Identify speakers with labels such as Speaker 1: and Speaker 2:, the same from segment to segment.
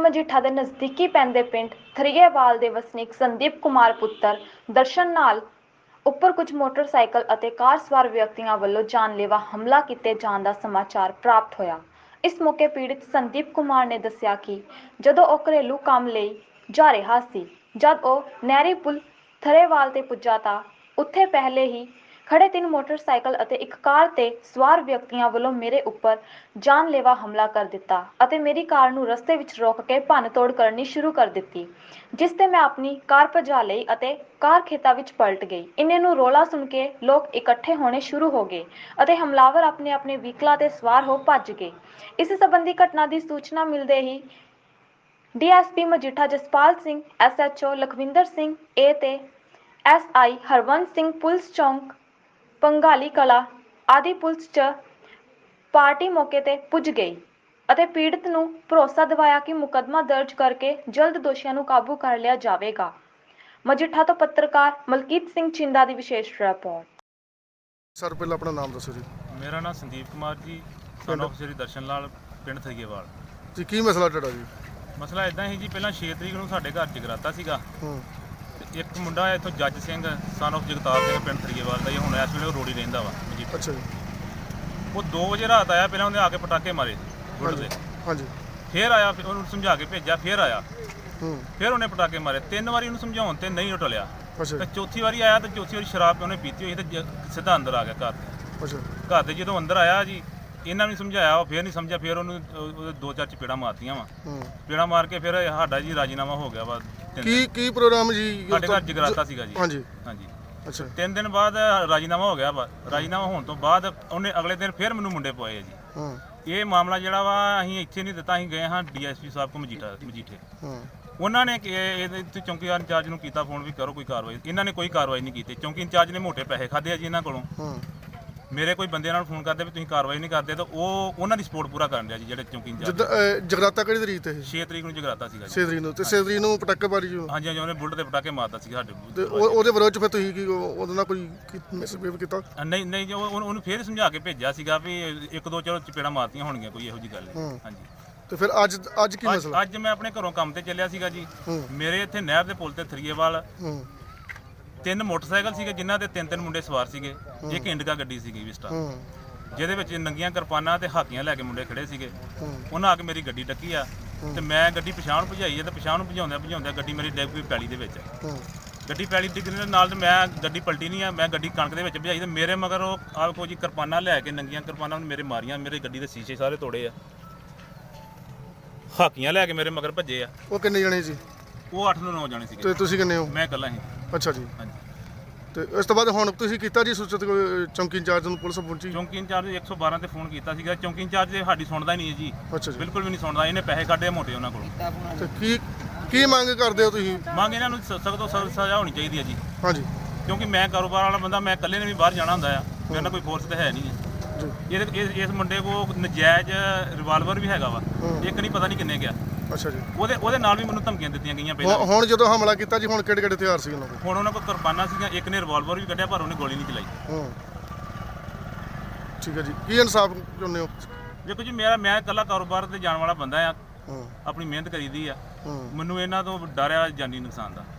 Speaker 1: ਮਜੀਠਾ ਦੇ ਨਜ਼ਦੀਕੀ ਪੈਂਦੇ ਪਿੰਡ ਥਰੀਏਵਾਲ ਦੇ ਵਸਨੀਕ ਸੰਦੀਪ ਕੁਮਾਰ ਪੁੱਤਰ ਦਰਸ਼ਨ ਨਾਲ ਉੱਪਰ ਕੁਝ ਮੋਟਰਸਾਈਕਲ ਅਤੇ ਕਾਰ ਸਵਾਰ ਵਿਅਕਤੀਆਂ ਵੱਲੋਂ ਜਾਨਲੇਵਾ ਹਮਲਾ ਕੀਤੇ ਜਾਣ ਦਾ ਸਮਾਚਾਰ ਪ੍ਰਾਪਤ ਹੋਇਆ। ਇਸ ਮੌਕੇ ਪੀੜਤ ਸੰਦੀਪ ਕੁਮਾਰ ਨੇ ਦੱਸਿਆ ਕਿ ਜਦੋਂ ਉਹ ਘਰੇਲੂ ਕੰਮ ਲਈ ਜਾ ਰਿਹਾ ਸੀ, ਜਦ ਉਹ ਨਹਿਰੀ ਪੁਲ ਥਰੇਵਾਲ ਤੇ ਪੁੱਜਾ ਤਾਂ ਉੱਥੇ ਪਹਿਲੇ ਹੀ ਖੜੇ 3 ਮੋਟਰਸਾਈਕਲ ਅਤੇ ਇੱਕ ਕਾਰ ਤੇ ਸਵਾਰ ਵਿਅਕਤੀਆਂ ਵੱਲੋਂ ਮੇਰੇ ਉੱਪਰ ਜਾਨਲੇਵਾ ਹਮਲਾ ਕਰ ਦਿੱਤਾ ਅਤੇ ਮੇਰੀ ਕਾਰ ਨੂੰ ਰਸਤੇ ਵਿੱਚ ਰੋਕ ਕੇ ਭੰਨ-ਤੋੜ ਕਰਨੀ ਸ਼ੁਰੂ ਕਰ ਦਿੱਤੀ, ਜਿਸ ਤੇ ਮੈਂ ਆਪਣੀ ਕਾਰ ਭਜਾ ਲਈ ਅਤੇ ਕਾਰ ਖੇਤਾਂ ਵਿੱਚ ਪਲਟ ਗਈ। ਇੰਨੇ ਨੂੰ ਰੌਲਾ ਸੁਣ ਕੇ ਲੋਕ ਇਕੱਠੇ ਹੋਣੇ ਸ਼ੁਰੂ ਹੋ ਗਏ ਅਤੇ ਹਮਲਾਵਰ ਆਪਣੇ ਵਹੀਕਲਾਂ ਤੇ ਸਵਾਰ ਹੋ ਭੱਜ ਗਏ। ਇਸ ਸੰਬੰਧੀ ਘਟਨਾ ਦੀ ਸੂਚਨਾ ਮਿਲਦੇ ਹੀ DSP Majitha Jaspal Singh, SHO Lakhwinder Singh A ਤੇ SI ਹਰਵੰਤ ਸਿੰਘ ਪੁਲਿਸ ਚੌਂਕ ਪੰਗਾਲੀ ਕਲਾ ਆਦਿ ਪੁਲਿਸ 'ਚ ਪਾਰਟੀ ਮੌਕੇ ਤੇ ਪੁੱਜ ਗਈ ਅਤੇ ਪੀੜਤ ਨੂੰ ਭਰੋਸਾ ਦਿਵਾਇਆ ਕਿ ਮੁਕੱਦਮਾ ਦਰਜ ਕਰਕੇ ਜਲਦ ਦੋਸ਼ੀਆਂ ਨੂੰ ਕਾਬੂ ਕਰ ਲਿਆ ਜਾਵੇਗਾ। ਮਜੀਠਾ ਤੋਂ ਪੱਤਰਕਾਰ ਮਲਕੀਤ ਸਿੰਘ ਚਿੰਦਾ ਦੀ ਵਿਸ਼ੇਸ਼ ਰਿਪੋਰਟ।
Speaker 2: ਸਰ ਪਹਿਲਾਂ ਆਪਣਾ ਨਾਮ ਦੱਸੋ ਜੀ।
Speaker 3: ਮੇਰਾ ਨਾਮ ਸੰਦੀਪ ਕੁਮਾਰ ਜੀ, ਸਨ ਆਫ ਸ੍ਰੀ ਦਰਸ਼ਨ ਲਾਲ, ਪਿੰਡ ਥਰੀਏਵਾਲ
Speaker 2: ਜੀ। ਕੀ ਮਸਲਾ ਤੁਹਾਡਾ ਜੀ?
Speaker 3: ਮਸਲਾ ਇਦਾਂ ਹੀ ਜੀ, ਪਹਿਲਾਂ 6 ਤਰੀਕ ਨੂੰ ਸਾਡੇ ਘਰ ਜਗਰਾਤਾ ਸੀਗਾ ਤੇ ਇੱਕ ਮੁੰਡਾ ਹੈ ਇੱਥੋਂ ਜੱਜ ਸਿੰਘ ਸਨ ਆਫ ਜਗਤਾਰ ਸਿੰਘ, ਪਿੰਡ ਥਰੀਏਵਾਲ ਦਾ, ਹੁਣ ਇਸ ਵੇਲੇ ਉਹ ਰੋੜੀ ਰਹਿੰਦਾ ਵਾ ਜੀ।
Speaker 2: ਅੱਛਾ ਜੀ।
Speaker 3: ਉਹ 2 ਵਜੇ ਰਾਤ ਆਇਆ, ਪਹਿਲਾਂ ਉਹਨੇ ਆ ਕੇ ਪਟਾਕੇ ਮਾਰੇ ਗੁੱਡ ਦੇ,
Speaker 2: ਹਾਂਜੀ।
Speaker 3: ਫਿਰ ਆਇਆ, ਉਹਨੂੰ ਸਮਝਾ ਕੇ ਭੇਜਿਆ, ਫਿਰ ਆਇਆ, ਫਿਰ ਉਹਨੇ ਪਟਾਕੇ ਮਾਰੇ 3 ਵਾਰੀ। ਉਹਨੂੰ ਸਮਝਾਉਣ ਤੇ ਨਹੀਂ ਉਹ ਟਲਿਆ ਤੇ ਚੌਥੀ ਵਾਰੀ ਆਇਆ ਤੇ ਚੌਥੀ ਵਾਰੀ ਸ਼ਰਾਬ ਉਹਨੇ ਪੀਤੀ ਹੋਈ ਤੇ ਸਿੱਧਾ ਅੰਦਰ ਆ ਗਿਆ ਘਰ ਤੇ। ਘਰ ਤੇ ਜਦੋਂ ਅੰਦਰ ਆਇਆ ਜੀ, ਇਹਨਾਂ ਨੂੰ ਸਮਝਾਇਆ, ਉਹ ਫਿਰ ਨਹੀਂ ਸਮਝਿਆ, ਫਿਰ ਉਹਨੂੰ 2-4 ਚਪੇੜਾਂ ਮਾਰਤੀਆਂ ਵਾ। ਚਪੇੜਾਂ ਮਾਰ ਕੇ ਫਿਰ ਸਾਡਾ ਜੀ ਰਾਜੀਨਾਮਾ ਹੋ ਗਿਆ ਵਾ।
Speaker 2: ਕੀ ਪ੍ਰੋਗਰਾਮ ਜੀ?
Speaker 3: ਸਾਡੇ ਘਰ ਜਗਰਾਤਾ ਸੀਗਾ ਜੀ।
Speaker 2: ਹਾਂਜੀ।
Speaker 3: ਅੱਛਾ। 3 ਦਿਨ ਬਾਅਦ ਰਾਜੀਨਾਮਾ ਹੋ ਗਿਆ ਵਾ। ਰਾਜੀਨਾਮਾ ਹੋਣ ਤੋਂ ਬਾਅਦ ਉਹਨੇ ਅਗਲੇ ਦਿਨ ਫਿਰ ਮੈਨੂੰ ਮੁੰਡੇ ਪਵਾਏ ਜੀ। ਇਹ ਮਾਮਲਾ ਜਿਹੜਾ ਵਾ ਅਸੀਂ ਇੱਥੇ ਨਹੀਂ ਦਿੱਤਾ, ਅਸੀਂ ਗਏ ਹਾਂ DSP ਸਾਹਿਬ ਕੋ ਮਜੀਠੇ। ਉਹਨਾਂ ਨੇ ਇਹਦੇ ਚੌਂਕੀਦਾਰ ਇੰਚਾਰਜ ਨੂੰ ਕੀਤਾ ਫੋਨ ਵੀ ਕਰੋ ਕੋਈ ਕਾਰਵਾਈ। ਇਹਨਾਂ ਨੇ ਕੋਈ ਕਾਰਵਾਈ ਨਹੀਂ ਕੀਤੀ। ਚੌਂਕੀ ਇੰਚਾਰਜ ਨੇ ਮੋਟੇ ਪੈਸੇ ਖਾਦੇ ਆ ਜੀ ਇਹਨਾਂ ਕੋਲੋਂ। ਮੇਰੇ ਕੋਈ ਬੰਦੇ ਨਾਲ ਫੋਨ ਕਰਦੇ ਵੀ ਤੁਸੀਂ ਕਾਰਵਾਈ ਨਹੀਂ ਕਰਦੇ ਤਾਂ ਉਹ ਉਹਨਾਂ ਦੀ ਸਪੋਰਟ ਪੂਰਾ ਕਰਨ ਰਿਹਾ ਜੀ, ਜਿਹੜੇ ਚੌਂਕੀ ਇੰਚਾਰਜ।
Speaker 2: ਜਗਰਾਤਾ ਕਿਹੜੀ ਤਰੀਕ ਤੇ?
Speaker 3: 6 ਤਰੀਕ ਨੂੰ ਜਗਰਾਤਾ ਸੀਗਾ ਜੀ।
Speaker 2: 6 ਤਰੀਕ ਨੂੰ ਤੇ 6 ਤਰੀਕ ਨੂੰ ਪਟਾਕੇ ਮਾਰੀ ਜੀ? ਹਾਂਜੀ।
Speaker 3: ਉਹਨੇ ਬੁਲਟ ਦੇ ਪਟਾਕੇ ਮਾਰਦਾ ਸੀ ਸਾਡੇ
Speaker 2: ਤੇ ਉਹਦੇ ਵਿਰੋਧ ਚ ਫਿਰ ਤੁਸੀਂ ਕੀ ਉਹਦੇ ਨਾਲ ਕੋਈ ਮਿਸਬਿਹੇਵ ਕੀਤਾ?
Speaker 3: ਨਹੀਂ ਜੀ, ਉਹਨੂੰ ਫੇਰ ਸਮਝਾ ਕੇ ਭੇਜਿਆ ਸੀਗਾ ਵੀ 1-2 ਚਲੋ ਚਪੇੜਾਂ ਮਾਰਤੀਆਂ ਹੋਣਗੀਆਂ, ਕੋਈ ਇਹੋ ਜੀ ਗੱਲ ਨਹੀਂ। ਹਾਂਜੀ।
Speaker 2: ਤੇ ਫਿਰ ਅੱਜ ਕੀ ਮਸਲਾ?
Speaker 3: ਅੱਜ ਮੈਂ ਆਪਣੇ ਘਰੋਂ ਕੰਮ ਤੇ ਚੱਲਿਆ ਸੀਗਾ ਜੀ। ਮੇਰੇ ਇੱਥੇ ਨਹਿਰ ਦੇ ਪੁਲ ਤੇ ਥਰੀਏਵਾਲ 3 ਮੋਟਰਸਾਈਕਲ ਸੀਗੇ, ਜਿਨ੍ਹਾਂ ਤੇ 3 ਮੁੰਡੇ ਸਵਾਰ ਸੀਗੇ। ਇੱਕ ਇੰਡਿਕਾ ਗੱਡੀ ਸੀਗੀ ਵਿਸਟਾ, ਜਿਹਦੇ ਵਿੱਚ ਨੰਗੀਆਂ ਕਿਰਪਾਨਾਂ ਤੇ ਹਾਕੀਆਂ ਲੈ ਕੇ ਮੁੰਡੇ ਖੜੇ ਸੀਗੇ। ਉਹਨਾਂ ਆ ਕੇ ਮੇਰੀ ਗੱਡੀ ਡੱਕੀ ਆ ਤੇ ਮੈਂ ਗੱਡੀ ਪਿਛਾਂਹ ਨੂੰ ਭਜਾਈ ਆ ਤੇ ਪਿਛਾਂਹ ਨੂੰ ਭਜਾਉਂਦਿਆਂ ਗੱਡੀ ਮੇਰੀ ਡਿੱਗ ਪਈ ਪੈਲੀ ਦੇ ਵਿੱਚ। ਗੱਡੀ ਪੈਲੀ ਡਿੱਗਣ ਦੇ ਨਾਲ ਤੇ ਮੈਂ ਗੱਡੀ ਪਲਟੀ ਨਹੀਂ ਆ, ਮੈਂ ਗੱਡੀ ਕਣਕ ਦੇ ਵਿੱਚ ਭਜਾਈ ਤੇ ਮੇਰੇ ਮਗਰ ਉਹ ਆਹ ਕੋਈ ਕਿਰਪਾਨਾਂ ਲੈ ਕੇ, ਨੰਗੀਆਂ ਕਿਰਪਾਨਾਂ ਮੇਰੇ ਮਾਰੀਆਂ, ਮੇਰੇ ਗੱਡੀ ਦੇ ਸ਼ੀਸ਼ੇ ਸਾਰੇ ਤੋੜੇ ਆ। ਹਾਕੀਆਂ ਲੈ ਕੇ ਮੇਰੇ ਮਗਰ ਭੱਜੇ ਆ।
Speaker 2: ਉਹ ਕਿੰਨੇ ਜਣੇ ਸੀ?
Speaker 3: ਉਹ 8 ਤੋਂ 9 ਜਾਣੇ ਸੀਗੇ।
Speaker 2: ਤੇ ਤੁਸੀਂ ਕਿੰਨੇ ਹੋ?
Speaker 3: ਮੈਂ ਇਕੱਲਾ ਸੀ।
Speaker 2: ਅੱਛਾ ਜੀ।
Speaker 3: ਹਾਂਜੀ।
Speaker 2: ਤੇ ਇਸ ਤੋਂ ਬਾਅਦ ਹੁਣ ਤੁਸੀਂ ਕੀਤਾ ਜੀ ਸੂਚਿਤ ਚੌਂਕੀ ਇੰਚਾਰਜ ਨੂੰ? ਪੁਲਿਸ ਪਹੁੰਚੀ?
Speaker 3: ਚੌਂਕੀ ਇੰਚਾਰਜ 112 ਤੇ ਫੋਨ ਕੀਤਾ ਸੀਗਾ। ਚੌਂਕੀ ਇੰਚਾਰਜ ਸਾਡੀ ਸੁਣਦਾ ਹੀ ਨਹੀਂ ਹੈ ਜੀ।
Speaker 2: ਅੱਛਾ ਜੀ।
Speaker 3: ਬਿਲਕੁਲ ਵੀ ਨਹੀਂ ਸੁਣਦਾ। ਇਹਨੇ ਪੈਸੇ ਕੱਢੇ ਮੋਟੇ ਉਹਨਾਂ ਕੋਲੋਂ।
Speaker 2: ਤੇ ਕੀ ਮੰਗ ਕਰਦੇ ਹੋ ਤੁਸੀਂ?
Speaker 3: ਮੰਗ ਇਹਨਾਂ ਨੂੰ ਸਖਤ ਤੋਂ ਸਖਤ ਸਜ਼ਾ ਹੋਣੀ ਚਾਹੀਦੀ ਹੈ ਜੀ।
Speaker 2: ਹਾਂਜੀ।
Speaker 3: ਕਿਉਂਕਿ ਮੈਂ ਕਾਰੋਬਾਰ ਵਾਲਾ ਬੰਦਾ, ਮੈਂ ਇਕੱਲੇ ਨੇ ਵੀ ਬਾਹਰ ਜਾਣਾ ਹੁੰਦਾ ਆ, ਮੇਰੇ ਨਾਲ ਕੋਈ ਫੋਰਸ ਤਾਂ ਹੈ ਨਹੀਂ ਹੈ। ਇਸ ਮੁੰਡੇ ਕੋਲ ਨਜਾਇਜ਼ ਰਿਵਾਲਵਰ ਵੀ ਹੈਗਾ ਵਾ, ਇੱਕ ਨਹੀਂ ਪਤਾ ਨਹੀਂ ਕਿੰਨੇ ਗਿਆ।
Speaker 2: ਅੱਛਾ ਜੀ।
Speaker 3: ਉਹਦੇ ਨਾਲ ਵੀ ਮੈਨੂੰ ਧਮਕੀਆਂ ਦਿੱਤੀਆਂ ਗਈਆਂ ਪਹਿਲਾਂ।
Speaker 2: ਹੁਣ ਜਦੋਂ ਹਮਲਾ ਕੀਤਾ ਜੀ, ਹੁਣ ਕਿਹੜੇ ਹਥਿਆਰ ਸੀ ਉਹਨਾਂ ਕੋਲ?
Speaker 3: ਹੁਣ ਉਹਨਾਂ ਕੋਲ ਕਿਰਪਾਨਾਂ ਸੀਗੀਆਂ, ਇੱਕ ਨੇ ਰਿਵਾਲਵਰ ਵੀ ਕੱਢਿਆ ਪਰ ਉਹਨੇ ਗੋਲੀ ਨਹੀਂ ਚਲਾਈ।
Speaker 2: ਠੀਕ ਹੈ ਜੀ। ਕੀ ਇਨਸਾਫ ਚਾਹੁੰਦੇ ਹੋ?
Speaker 3: ਦੇਖੋ ਜੀ, ਮੈਂ ਇਕੱਲਾ ਕਾਰੋਬਾਰ ਤੇ ਜਾਣ ਵਾਲਾ ਬੰਦਾ ਆ, ਆਪਣੀ ਮਿਹਨਤ ਕਰੀਦੀ ਆ। ਮੈਨੂੰ ਇਹਨਾਂ ਤੋਂ ਡਰ ਆ ਜਾਨੀ ਨੁਕਸਾਨ ਦਾ।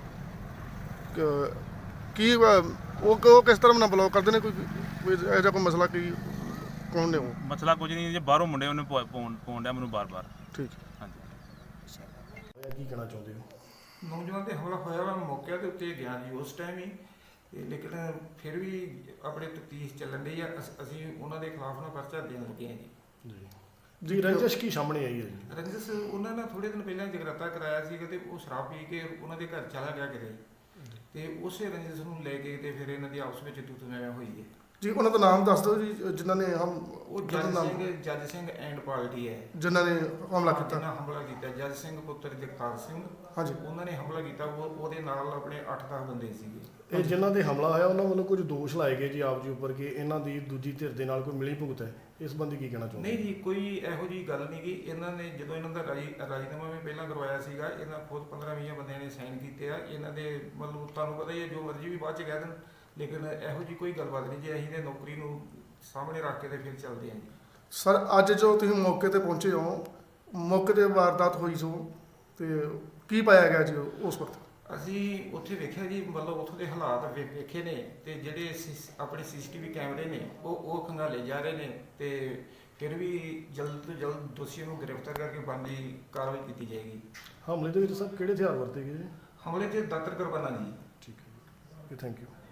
Speaker 2: ਕੀ ਉਹ ਕਿਸ ਤਰ੍ਹਾਂ ਨਾਲ ਬਲੌਕ ਕਰਦੇ ਨੇ? ਕੋਈ ਇਹੋ ਜਿਹਾ ਕੋਈ ਮਸਲਾ ਕੀ ਕੌਣ ਨੇ ਉਹ?
Speaker 3: ਮਸਲਾ ਕੁਝ ਨਹੀਂ, ਜੇ ਬਾਹਰੋਂ ਮੁੰਡੇ ਉਹਨੇ ਪਾਉਣ ਡਿਆ ਮੈਨੂੰ ਬਾਰ-ਬਾਰ।
Speaker 2: ਠੀਕ।
Speaker 3: ਹਾਂਜੀ।
Speaker 2: ਕੀ ਕਹਿਣਾ ਚਾਹੁੰਦੇ ਹੋ?
Speaker 4: ਨੌਜਵਾਨ ਤੇ ਹਮਲਾ ਹੋਇਆ ਵਾ, ਮੌਕੇ ਦੇ ਉੱਤੇ ਗਿਆ ਜੀ ਉਸ ਟਾਈਮ ਹੀ, ਲੇਕਿਨ ਫਿਰ ਵੀ ਆਪਣੇ ਤਫਤੀਸ਼ ਚੱਲਣ ਡਈ ਆ। ਅਸੀਂ ਉਹਨਾਂ ਦੇ ਖਿਲਾਫ ਨਾ ਪਰਚਾ ਦੇਣ ਲੱਗੇ ਹਾਂ ਜੀ।
Speaker 2: ਜੀ ਰੰਜਿਸ਼ ਕੀ ਸਾਹਮਣੇ ਆਈ ਹੈ ਜੀ?
Speaker 4: ਰੰਜਿਸ਼ ਉਹਨਾਂ ਨੇ ਥੋੜੇ ਦਿਨ ਪਹਿਲਾਂ ਜਗਰਾਤਾ ਕਰਾਇਆ ਸੀਗਾ ਤੇ ਉਹ ਸ਼ਰਾਬ ਪੀ ਕੇ ਉਹਨਾਂ ਦੇ ਘਰ ਚਲਾ ਗਿਆ ਕਿਤੇ, ਤੇ ਉਸੇ ਰੰਜਿਸ਼ ਨੂੰ ਲੈ ਕੇ ਤੇ ਫਿਰ ਇਹਨਾਂ ਦੀ ਆਪਸ ਵਿੱਚ ਤੂੰ-ਤੂੰ-ਮੈਂ ਹੋਈ ਹੈ ਜੀ। ਉਹਨਾਂ ਦਾ ਨਾਮ ਦੱਸ ਦਿਓ ਜੀ, ਜਿਨ੍ਹਾਂ ਨੇ ਉਹ ਜੱਜ ਸਿੰਘ ਐਂਡ ਪਾਰਟੀ ਹੈ ਜਿਨ੍ਹਾਂ ਨੇ ਹਮਲਾ ਕੀਤਾ। ਜੱਜ ਸਿੰਘ ਪੁੱਤਰ ਜਗਤਾਰ ਸਿੰਘ। ਹਾਂਜੀ। ਉਹਨਾਂ ਨੇ ਹਮਲਾ ਕੀਤਾ। ਉਹਦੇ ਨਾਲ ਆਪਣੇ 8-10 ਬੰਦੇ ਸੀਗੇ।
Speaker 5: ਇਹ ਜਿਨ੍ਹਾਂ ਦੇ ਹਮਲਾ ਹੋਇਆ ਉਹਨਾਂ ਵੱਲੋਂ ਕੁਝ ਦੋਸ਼ ਲਾਏ ਗਏ ਜੀ ਆਪ ਜੀ ਉੱਪਰ ਕਿ ਇਹਨਾਂ ਦੀ ਦੂਜੀ ਧਿਰ ਦੇ ਨਾਲ ਕੋਈ ਮਿਲੀ ਭੁਗਤ ਹੈ, ਇਸ ਸੰਬੰਧੀ ਕੀ ਕਹਿਣਾ ਚਾਹੁੰਦੇ?
Speaker 4: ਨਹੀਂ ਜੀ, ਕੋਈ ਇਹੋ ਜਿਹੀ ਗੱਲ ਨਹੀਂ ਗੀ। ਇਹਨਾਂ ਨੇ ਜਦੋਂ ਇਹਨਾਂ ਦਾ ਰਾਜੀਨਾਮਾ ਵੀ ਪਹਿਲਾਂ ਕਰਵਾਇਆ ਸੀਗਾ, ਇਹਨਾਂ ਖੁਦ 15-20 ਬੰਦਿਆਂ ਨੇ ਸਾਈਨ ਕੀਤੇ ਆ। ਇਹਨਾਂ ਦੇ ਮਤਲਬ ਤੁਹਾਨੂੰ ਪਤਾ ਹੀ ਹੈ, ਜੋ ਮਰਜ਼ੀ ਵੀ ਬਾਅਦ 'ਚ ਕਹਿ ਦੇਣ, ਲੇਕਿਨ ਇਹੋ ਜਿਹੀ ਕੋਈ ਗੱਲਬਾਤ ਨਹੀਂ ਜੀ। ਅਸੀਂ ਤੇ ਨੌਕਰੀ ਨੂੰ ਸਾਹਮਣੇ ਰੱਖ ਕੇ ਤੇ ਫਿਰ ਚੱਲਦੇ ਹਾਂ ਜੀ।
Speaker 2: ਸਰ ਅੱਜ ਜੋ ਤੁਸੀਂ ਮੌਕੇ ਤੇ ਪਹੁੰਚੇ ਹੋ, ਮੌਕੇ ਤੇ ਵਾਰਦਾਤ ਹੋਈ ਸੋ ਤੇ ਕੀ ਪਾਇਆ ਗਿਆ ਜੀ ਉਸ ਵਕਤ?
Speaker 4: ਅਸੀਂ ਉੱਥੇ ਵੇਖਿਆ ਜੀ, ਮਤਲਬ ਉੱਥੋਂ ਦੇ ਹਾਲਾਤ ਵੇਖੇ ਨੇ, ਤੇ ਜਿਹੜੇ ਆਪਣੇ ਸੀਸੀਟੀਵੀ ਕੈਮਰੇ ਨੇ ਉਹ ਖੰਗਾਲੇ ਜਾ ਰਹੇ ਨੇ, ਤੇ ਫਿਰ ਵੀ ਜਲਦ ਤੋਂ ਜਲਦ ਦੋਸ਼ੀਆਂ ਨੂੰ ਗ੍ਰਿਫਤਾਰ ਕਰਕੇ ਬਣਦੀ ਕਾਰਵਾਈ ਕੀਤੀ ਜਾਏਗੀ।
Speaker 5: ਹਮਲੇ ਦੇ ਵਿੱਚ ਸਰ ਕਿਹੜੇ ਹਥਿਆਰ ਵਰਤੇ ਗਏ ਜੀ?
Speaker 4: ਹਮਲੇ ਤੇ ਦਾਤਰ ਕਿਰਪਾਨਾਂ ਜੀ।
Speaker 5: ਠੀਕ ਹੈ ਜੀ, ਥੈਂਕ ਯੂ।